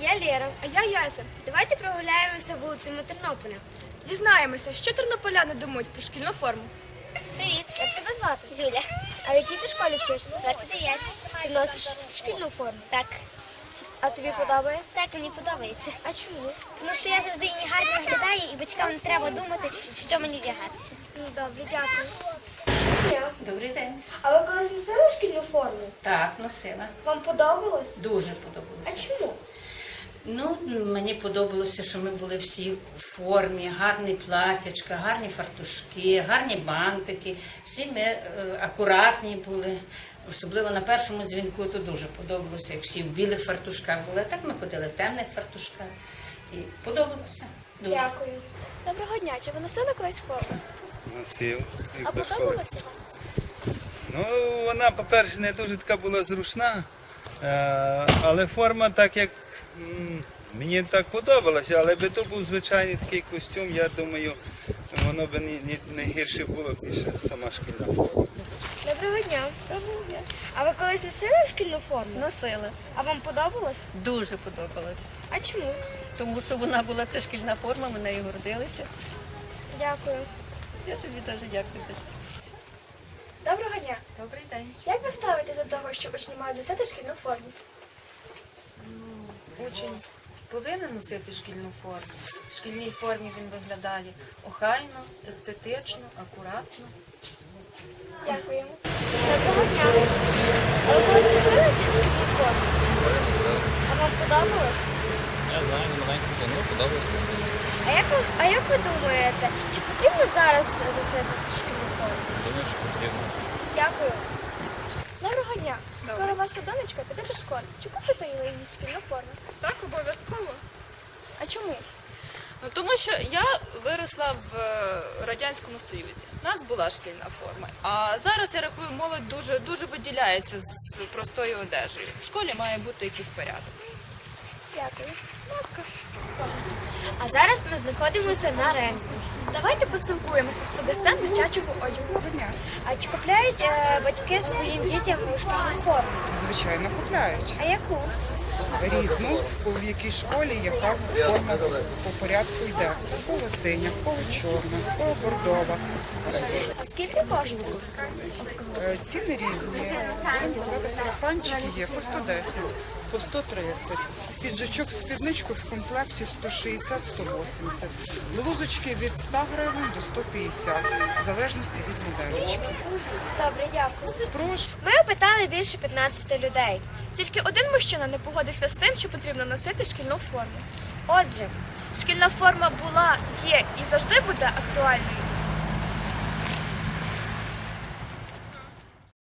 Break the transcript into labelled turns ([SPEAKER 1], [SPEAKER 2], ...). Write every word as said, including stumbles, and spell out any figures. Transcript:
[SPEAKER 1] я Лєра.
[SPEAKER 2] А я Яся.
[SPEAKER 1] Давайте прогуляємося вулицями Тернополя.
[SPEAKER 2] Дізнаємося, що тернополяни думають про шкільну форму.
[SPEAKER 1] Привіт, як тебе звати? Зюля. А в якій ти школі вчишся? двадцять дев'ять. Ти носиш шкільну форму? Так. А тобі подобається? Так, мені подобається. А чому? Тому що я завжди її гарно виглядаю і батькам не треба думати, що мені вдягатися. Ну, добре, дякую.
[SPEAKER 3] Добрий день.
[SPEAKER 1] А ви колись носили шкільну форму?
[SPEAKER 3] Так, носила.
[SPEAKER 1] Вам подобалось?
[SPEAKER 3] Дуже
[SPEAKER 1] А
[SPEAKER 3] подобалося.
[SPEAKER 1] чому?
[SPEAKER 3] Ну, мені подобалося, що ми були всі в формі, гарні платячка, гарні фартушки, гарні бантики. Всі ми е, акуратні були. Особливо на першому дзвінку то дуже подобалося, як всі в білих фартушках були. А так ми ходили в темних фартушках. І подобалося. Дуже.
[SPEAKER 1] Дякую.
[SPEAKER 2] Доброго дня. Чи ви носили колись форму?
[SPEAKER 4] Носив. і
[SPEAKER 2] А
[SPEAKER 4] до школи.
[SPEAKER 2] подобалося вам?
[SPEAKER 4] Ну, вона, по-перше, не дуже така була зручна, е, але форма так як м, мені так подобалася, але би то був звичайний такий костюм, я думаю, воно би не, не, не гірше було, ніж сама шкільна форма.
[SPEAKER 1] Доброго дня. Доброго дня. А ви колись носили шкільну форму?
[SPEAKER 5] Носила.
[SPEAKER 1] А вам подобалось?
[SPEAKER 5] Дуже подобалось.
[SPEAKER 1] А чому?
[SPEAKER 5] Тому що вона була, це шкільна форма, ми нею гордилися.
[SPEAKER 1] Дякую.
[SPEAKER 5] Я тобі дуже дякую.
[SPEAKER 2] Доброго дня.
[SPEAKER 5] Добрий день.
[SPEAKER 2] Як ви ставитесь до того, що учні мають носити шкільну форму?
[SPEAKER 6] Учень повинен носити шкільну форму. В шкільній формі він виглядає охайно, естетично, акуратно.
[SPEAKER 2] Дякуємо.
[SPEAKER 1] Доброго дня. А ви колись носили шкільну форму? А вам подобалось?
[SPEAKER 7] Я знаю, не маленько, ну подобається.
[SPEAKER 1] А як ви, а як ви думаєте, чи потрібно зараз носити шкільну форму?
[SPEAKER 7] Думаю, що потрібно.
[SPEAKER 1] Дякую.
[SPEAKER 2] Доброго дня. Скоро ваша донечка піде до школи. Чи купите їй шкільну форму?
[SPEAKER 8] Так, обов'язково.
[SPEAKER 2] А чому?
[SPEAKER 8] Ну, тому що я виросла в е, Радянському Союзі. У нас була шкільна форма. А зараз, я рахую, молодь дуже, дуже виділяється з простою одежею. В школі має бути якийсь порядок.
[SPEAKER 2] Дякую.
[SPEAKER 1] А зараз ми знаходимося на ринку.
[SPEAKER 2] Давайте поспілкуємося з продавцем дитячого одягу.
[SPEAKER 1] А чи купляють е, батьки своїм дітям шкільну форму?
[SPEAKER 9] Звичайно, купляють.
[SPEAKER 1] А яку?
[SPEAKER 9] Різну, в якій школі яка форма по порядку йде. В кого синя, в кого чорна, в кого бордова.
[SPEAKER 1] А скільки коштує?
[SPEAKER 9] Е, Ціни різні. Будемо казати, сарафанчики є по сто десять, по сто тридцять. Піджачок з спідничкою в комплекті сто шістдесят - сто вісімдесят. Блузочки від ста гривень до сто п'ятдесят, в залежності від моделечки.
[SPEAKER 1] Добре, дякую.
[SPEAKER 9] Прошу.
[SPEAKER 1] Ми опитали більше п'ятнадцяти людей.
[SPEAKER 2] Тільки один мужчина не погодився з тим, що потрібно носити шкільну форму.
[SPEAKER 1] Отже,
[SPEAKER 2] Шкільна форма була, є і завжди буде актуальною